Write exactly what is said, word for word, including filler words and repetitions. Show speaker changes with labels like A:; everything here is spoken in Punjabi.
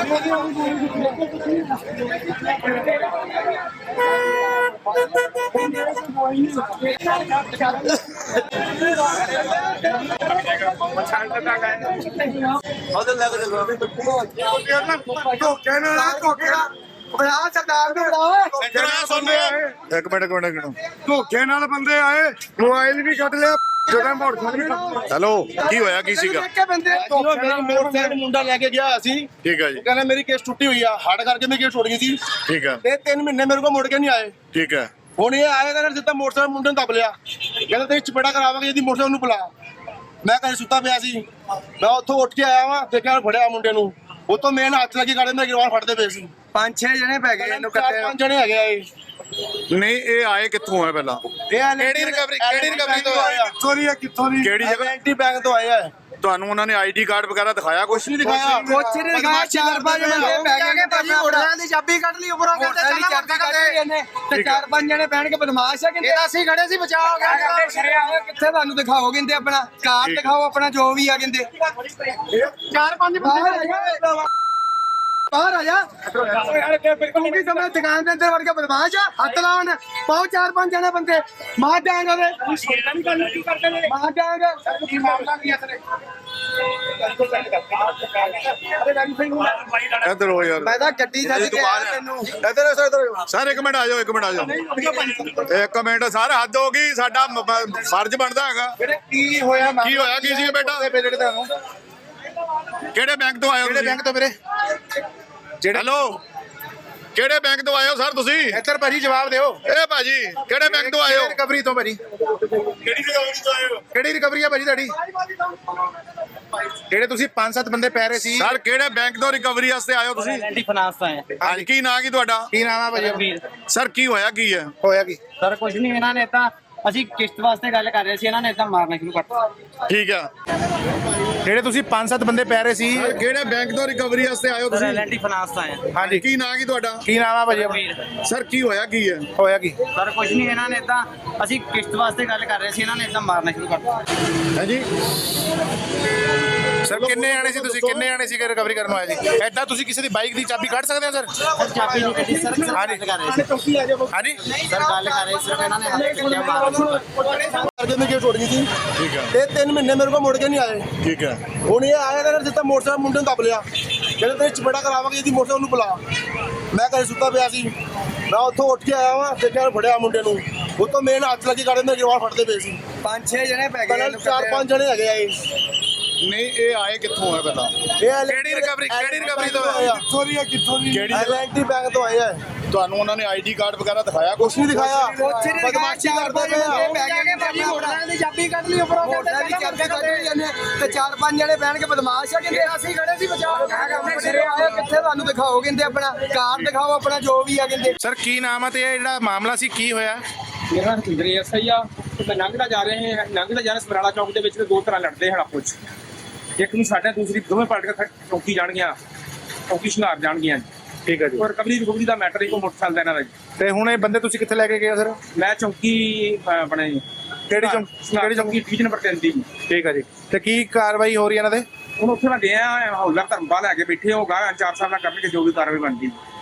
A: एक मिनट एक मिनट
B: ਧੋਖੇ ਨਾਲ ਬੰਦੇ ਆਏ, ਮੋਬਾਈਲ ਵੀ ਕੱਢ ਲਿਆ, ਜਦੋਂ ਮੋਟਰਸਾਈਕਲ
A: हेलो की होया की सीगा
C: मोटरसाइकिल मुंडा लेके गया सी,
A: ठीक है जी
C: कहना मेरी केस टुटी हुई है, हार्ड करके मेरी केस छुट गई थी।
A: ठीक है
C: ते तीन महीने मेरे को मुड़ के नहीं आए।
A: ठीक है
C: ਹੁਣ ਇਹ ਆਏ ਤਾਂ ਸਿੱਧਾ ਮੋਟਰਸਾਈਕਲ ਮੁੰਡੇ ਨੂੰ ਦੱਬ ਲਿਆ, ਕਹਿੰਦਾ ਤੇ ਚਪੇੜਾ ਕਰਾਵਾਂਗੇ ਇਹਦੀ ਮੋਟਰਸਾਈਕਲ ਨੂੰ ਬੁਲਾ। ਮੈਂ ਘਰੇ ਸੁੱਤਾ ਪਿਆ ਸੀ, ਮੈਂ ਉੱਥੋਂ ਉੱਠ ਕੇ ਆਇਆ ਵਾਂ, ਦੇਖਿਆ ਫੜਿਆ ਮੁੰਡੇ ਨੂੰ, ਉਹ ਤੋਂ ਮੇਨ ਹੱਥ ਲੱਗੀ ਗਾੜੇ ਮੇਰੇ ਗਰਵਾਨ ਫੜਦੇ ਪਏ ਸੀ।
B: ਪੰਜ ਛੇ ਜਣੇ ਪੈ ਗਏ ਇਹਨੂੰ
C: ਚਾਰ ਪੰਜ ਜਣੇ ਹੈਗੇ ਆ ਇਹ।
A: नहीं ये आए कित्थों है पहला
C: ਕਿਹੜੀ ਰਿਕਵਰੀ ਕਿਹੜੀ ਰਿਕਵਰੀ ਤੋਂ ਆਇਆ?
B: ਕਿੱਥੋਂ ਦੀ ਆ ਕਿੱਥੋਂ ਦੀ
A: केड़ी जगह
C: ਐਂਟੀ ਬੈਂਕ ਤੋਂ ਆਇਆ ਹੈ।
A: ਤੁਹਾਨੂੰ ਉਹਨਾਂ ਨੇ ਆਈਡੀ ਕਾਰਡ ਵਗੈਰਾ ਦਿਖਾਇਆ ਕੁਛ
C: ਨਹੀਂ ਦਿਖਾਇਆ,
B: ਕੁਛ ਨਹੀਂ ਦਿਖਾਇਆ, ਚਾਰ ਪੰਜ ਬੰਦੇ ਪੈ ਗਏ ਭਾਜੀ, ਮੋਟਰਾਂ ਦੀ ਚਾਬੀ ਕੱਢ ਲਈ ਉੱਪਰੋਂ, ਕਹਿੰਦੇ ਚੱਲ ਚਾਬੀ ਕੱਢ ਲਈ ਇਹਨੇ ਤੇ ਚਾਰ ਪੰਜ ਜਣੇ ਪੈਣ ਕੇ ਬਦਮਾਸ਼ ਆ, ਕਹਿੰਦੇ ਅਸੀਂ ਖੜੇ ਸੀ, ਬਚਾਅ ਹੋ ਗਿਆ। ਕਿੱਥੇ ਤੁਹਾਨੂੰ ਦਿਖਾਓ, ਕਹਿੰਦੇ ਆਪਣਾ ਕਾਰਡ ਦਿਖਾਓ, ਆਪਣਾ ਜੋ ਵੀ ਆ, ਕਹਿੰਦੇ ਚਾਰ ਪੰਜ ਬੰਦੇ ਬਾਹਰ ਆ ਜਾ। ਕਿਉਂਕਿ ਸਮੇਂ ਦੁਕਾਨ ਦੇ ਅੰਦਰ ਵੜ ਕੇ ਬਦਮਾਸ਼ ਆ, ਹੱਥ ਲਾਉਣ ਪਾਓ ਚਾਰ ਪੰਜ ਜਣੇ ਬੰਦੇ ਮਾਰ ਜਾਏਗਾ ਉਹਦੇ ਮਾਰ ਜਾਏਗਾ।
A: ਇੱਧਰ ਹੋ ਯਾਰ
B: ਮੈਂ ਤਾਂ ਗੱਡੀ ਛੱਡ ਕੇ ਆਇਆ ਤੈਨੂੰ।
A: ਇੱਧਰ ਇੱਧਰ ਸਰ ਇੱਕ ਮਿੰਟ ਆ ਜਾਓ ਇੱਕ ਮਿੰਟ ਆ ਜਾਓ ਇੱਕ ਮਿੰਟ ਸਰ ਹੱਦ ਹੋ ਗਈ, ਸਾਡਾ ਮ- ਮ- ਫਰਜ਼ ਬਣਦਾ ਹੈਗਾ।
B: ਕੀ ਹੋਇਆ
A: ਕੀ ਹੋਇਆ ਕੀ ਸੀ ਬੇਟਾ? ਕਿਹੜੇ ਬੈਂਕ ਤੋਂ ਆਏ ਹੋ ਤੁਸੀਂ?
B: ਬੈਂਕ ਤੋਂ ਵੀਰੇ
A: ਹੈਲੋ ਕਿਹੜੇ ਬੈਂਕ ਤੋਂ ਆਏ ਹੋ ਸਰ ਤੁਸੀਂ?
B: ਇੱਧਰ ਭਾਜੀ ਜਵਾਬ ਦਿਓ।
A: ਇਹ ਭਾਜੀ ਕਿਹੜੇ ਬੈਂਕ ਤੋਂ ਆਏ ਹੋ?
B: ਰਿਕਵਰੀ ਤੋਂ ਭਾਜੀ।
A: ਕਿਹੜੀ ਰਿਕਵਰੀ ਤੋਂ ਆਏ ਹੋ?
B: ਕਿਹੜੀ ਰਿਕਵਰੀ ਆ ਭਾਜੀ ਤੁਹਾਡੀ? ਜਿਹੜੇ ਤੁਸੀਂ ਪੰਜ ਸੱਤ ਬੰਦੇ ਪੈ ਰਹੇ ਸੀ,
A: ਸਰ ਕਿਹੜੇ ਬੈਂਕ ਤੋਂ ਰਿਕਵਰੀ ਵਾਸਤੇ ਆਏ ਹੋ ਤੁਸੀਂ?
D: ਐਂਟੀ ਫਾਈਨਾਂਸ ਤੋਂ ਆਏ
A: ਹਾਂਜੀ ਕੀ ਨਾਂ ਕੀ ਤੁਹਾਡਾ?
B: ਕੀ ਨਾਮ ਆ ਭਾਜੀ?
D: ਵੀਰ
A: ਸਰ ਕੀ ਹੋਇਆ ਕੀ ਹੈ?
B: ਹੋਇਆ ਕੀ?
D: ਸਰ ਕੁਝ ਨਹੀਂ, ਇਹਨਾਂ ਨੇ ਤਾਂ ਅਸੀਂ ਕਿਸ਼ਤ ਵਾਸਤੇ ਗੱਲ ਕਰ ਰਹੇ ਸੀ, ਇਹਨਾਂ ਨੇ ਤਾਂ ਮਾਰਨਾ ਸ਼ੁਰੂ ਕਰਤਾ।
A: ਠੀਕ ਆ
B: ਜਿਹੜੇ ਤੁਸੀਂ ਪੰਜ ਸੱਤ ਬੰਦੇ ਪੈ ਰਹੇ ਸੀ,
A: ਸਰ ਕਿਹੜੇ ਬੈਂਕ ਤੋਂ ਰਿਕਵਰੀ ਵਾਸਤੇ ਆਏ ਹੋ
D: ਸਰ
A: ਤੁਸੀਂ?
D: ਐਂਟੀ ਫਾਈਨਾਂਸ ਤੋਂ ਆਏ
B: ਹਾਂਜੀ
A: ਕੀ ਨਾਂ ਕੀ ਤੁਹਾਡਾ?
B: ਕੀ ਨਾਮ ਆ ਭਾਜੀ?
D: ਵੀਰ
A: ਸਰ ਕੀ ਹੋਇਆ ਕੀ ਹੈ?
B: ਹੋਇਆ ਕੀ?
D: ਸਰ ਕੁਝ ਨਹੀਂ, ਇਹਨਾਂ ਨੇ ਤਾਂ ਅਸੀਂ ਕਿਸ਼ਤ ਵਾਸਤੇ ਗੱਲ ਕਰ ਰਹੇ ਸੀ, ਇਹਨਾਂ ਨੇ ਤਾਂ ਮਾਰਨਾ ਸ਼ੁਰੂ ਕਰਤਾ।
A: ਹਾਂਜੀ
B: ਸਰ ਕਿੰਨੇ ਆਣੇ ਸੀ ਤੁਸੀਂ? ਕਿੰਨੇ ਆਣੇ ਸੀ ਕਿ ਰਿਕਵਰੀ ਕਰਨ ਆਏ ਸੀ? ਐਦਾਂ ਤੁਸੀਂ ਕਿਸੇ ਦੀ ਬਾਈਕ ਦੀ ਚਾਬੀ ਕੱਢ ਸਕਦੇ ਹੋ ਸਰ?
D: ਸਰ ਚਾਬੀ ਨਹੀਂ ਕੱਢੀ ਸਰ, ਸਿਰਫ ਗੱਲ ਕਰ ਰਹੇ ਸੀ।
B: ਹਾਂਜੀ
D: ਸਰ ਗੱਲ ਕਰ ਰਹੇ ਸਿਰਫ ਇਹਨਾਂ ਨੇ ਹੱਥ ਚੱਕਿਆ ਮਾਰਨਾ ਸ਼ੁਰੂ ਕਰਤਾ।
C: ਕਰਕੇ ਮੇਰੀ ਕੇਸ ਛੁੱਟ ਗਈ ਸੀ।
A: ਠੀਕ ਹੈ
C: ਤੇ ਤਿੰਨ ਮਹੀਨੇ ਮੇਰੇ ਕੋਲ ਮੁੜ ਕੇ ਨਹੀਂ ਆਏ।
A: ਠੀਕ ਹੈ
C: ਹੁਣ ਇਹ ਆਏ ਤਾਂ ਸਿੱਧਾ ਮੋਟਰਸਾਈਕਲ ਮੁੰਡੇ ਨੂੰ ਦੱਬ ਲਿਆ, ਕਹਿੰਦੇ ਤੇ ਚਪੇੜਾ ਕਰਾਵਾਂਗੇ ਇਹਦੀ ਮੋਟਰਸਾਈਕਲ ਨੂੰ ਬੁਲਾ। ਮੈਂ ਘਰੇ ਸੁੱਤਾ ਪਿਆ ਸੀ, ਮੈਂ ਉੱਥੋਂ ਉੱਠ ਕੇ ਆਇਆ ਵਾਂ, ਦੇਖਿਆ ਫੜਿਆ ਮੁੰਡੇ ਨੂੰ, ਉਹ ਤੋਂ ਮੇਨ ਹੱਥ ਲੱਗੀ ਗਾੜੇ ਮੇਰੇ ਗਰਵਾਨ ਫੜਦੇ ਪਏ ਸੀ।
B: ਪੰਜ ਛੇ ਜਣੇ ਪੈ
C: ਪਹਿਲਾਂ ਚਾਰ ਪੰਜ ਜਣੇ ਹੈਗੇ ਆ ਇਹ।
A: ਨਹੀਂ ਇਹ ਆਏ ਕਿੱਥੋਂ ਹੈ ਪਹਿਲਾਂ?
C: ਇਹ
B: ਕਿਹੜੀ ਰਿਕਵਰੀ ਕਿਹੜੀ ਰਿਕਵਰੀ ਤੋਂ
C: ਆਏ ਆ?
B: ਕਿੱਥੋਂ ਦੀ ਆ ਕਿੱਥੋਂ ਦੀ?
A: ਕਿਹੜੀ ਜਗ੍ਹਾ?
C: ਐਂਟੀ ਬੈਂਕ ਤੋਂ ਆਏ ਆ।
A: ਤੁਹਾਨੂੰ ਉਹਨਾਂ ਨੇ ਆਈਡੀ ਕਾਰਡ ਵਗੈਰਾ ਦਿਖਾਇਆ ਕੁਛ?
C: ਕੁਛ ਨਹੀਂ ਦਿਖਾਇਆ,
B: ਕੁਛ ਨਹੀਂ
C: ਬਦਮਾਸ਼ੀ
B: ਚਾਰ
C: ਕਰਦੇ
B: ਪੰਜ
C: ਪਏ
B: ਬੰਦੇ
C: ਆ।
B: ਪੈ ਗਏ ਭਾਜੀ, ਮੋਟਰਾਂ ਦੀ ਚਾਬੀ ਕੱਢ ਲਈ ਉੱਪਰੋਂ, ਕਹਿੰਦੇ ਚੱਲ ਚਾਬੀ ਕੱਢ ਲਈ ਇਹਨੇ ਤੇ ਚਾਰ ਪੰਜ ਜਣੇ ਪੈਣ ਕੇ ਬਦਮਾਸ਼ ਆ, ਕਹਿੰਦੇ ਅਸੀਂ ਖੜੇ ਸੀ, ਬਚਾਅ ਹੋ ਗਿਆ। ਕਿੱਥੇ ਤੁਹਾਨੂੰ ਦਿਖਾਓ, ਕਹਿੰਦੇ ਆਪਣਾ ਕਾਰਡ ਦਿਖਾਓ, ਆਪਣਾ ਜੋ ਵੀ ਆ, ਕਹਿੰਦੇ। ਸਰ ਕੀ ਨਾਮ ਆ ਤੇ ਇਹ ਜਿਹੜਾ ਮਾਮਲਾ ਸੀ ਕੀ ਹੋਇਆ?
E: ਮੇਰਾ ਸੁੰਦਰੀ ਐਸਆਈ ਆ ਤੇ ਮੈਂ ਲੰਘਦਾ ਜਾ ਰਹੇ ਹਾਂ ਲੰਘਦਾ ਜਾ ਰਿਹਾ ਸਮਰਾਲਾ ਚੌਕ ਦੇ ਵਿੱਚ ਤੇ ਦੋ ਤਰ੍ਹਾਂ ਲੜਦੇ ਹਨ ਆਪੋ ਚ, ਇੱਕ ਨੂੰ ਸਾਡਾ ਦੂਸਰੀ ਦੋਵੇਂ ਪਾਰਟੀਆਂ ਚੌਕੀ ਜਾਣਗੀਆਂ, ਚੌਕੀ ਸ਼ਿੰਗਾਰ ਜਾਣਗੀਆਂ।
B: ਠੀਕ ਹੈ ਜੀ।
E: ਔਰ ਰਿਕਵਰੀ ਰਿਕਵਰੀ ਦਾ ਮੈਟਰ ਇੱਕੋ ਮੋਟਰਸਾਈਕਲ ਦਾ ਇਹਨਾਂ ਦਾ ਜੀ।
B: ਤੇ ਹੁਣ ਇਹ ਬੰਦੇ ਤੁਸੀਂ ਕਿੱਥੇ ਲੈ ਕੇ ਗਏ ਸਰ?
E: ਮੈਂ ਚੌਕੀ ਅਹ, ਆਪਣੇ
B: ਕਿਹੜੀ ਚੌਂਕ?
E: ਕਿਹੜੀ ਚੌਕੀ ਡਿਵੀਜ਼ਨ ਨੰਬਰ ਤਿੰਨ ਦੀ।
B: ਠੀਕ ਹੈ ਜੀ। ਤੇ ਕੀ ਕਾਰਵਾਈ ਹੋ ਰਹੀ ਹੈ ਇਹਨਾਂ ਦੇ?
E: ਹੁਣ ਉੱਥੇ ਮੈਂ ਗਿਆ ਹੌਲਦਾਰ ਧਰਮਪਾਲ ਲੈ ਕੇ ਬੈਠੇ ਹੋ ਗਾ ਚਾਰ ਸਾਹਿਬ ਨਾਲ ਕਰਨਗੇ ਜੋ ਵੀ ਕਾਰਵਾਈ ਬਣਦੀ।